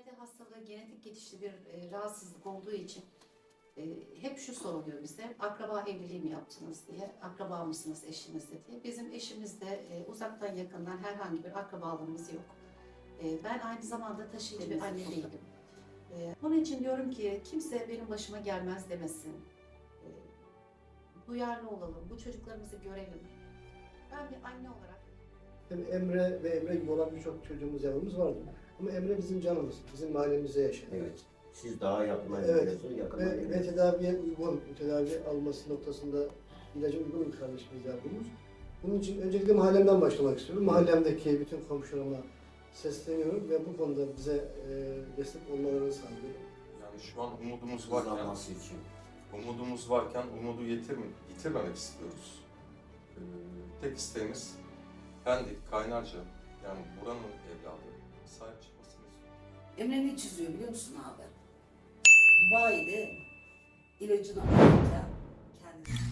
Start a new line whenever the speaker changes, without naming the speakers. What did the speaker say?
Zade hastalığı genetik geçişli bir rahatsızlık olduğu için hep şu soruluyor bize, akraba evliliği mi yaptınız diye, akraba mısınız eşinizle diye. Bizim eşimizde uzaktan yakından herhangi bir akrabalığımız yok. Ben aynı zamanda taşıyıcı bir anne değilim. Onun için diyorum ki kimse benim başıma gelmez demesin. Duyarlı olalım, bu çocuklarımızı görelim. Ben bir anne olarak...
Tabii Emre ve Emre gibi olan birçok çocuğumuz, yavrumuz vardı. Ama Emre bizim canımız, bizim mahallemizde yaşıyor.
Evet. Siz daha yakından
Evet.
biliyorsunuz, yakından
Ve
biliyorsunuz.
tedaviye uygun, tedavi alması noktasında ilaca uygun bir kardeşimiz, yavrumuz. Bunun için öncelikle mahallemden başlamak istiyorum. Mahallemdeki bütün komşularıma sesleniyorum ve bu konuda bize destek olmalarını sağlıyorum.
Yani şu an umudumuz
Hızlanması için.
varken umudu yitirmemek istiyoruz. Tek isteğimiz Pendik, Kaynarca, yani buranın evladı sahip çıkmasını istiyoruz.
Emre ne çiziyor biliyor musun abi? Dubai'de ilacını alırken kendisi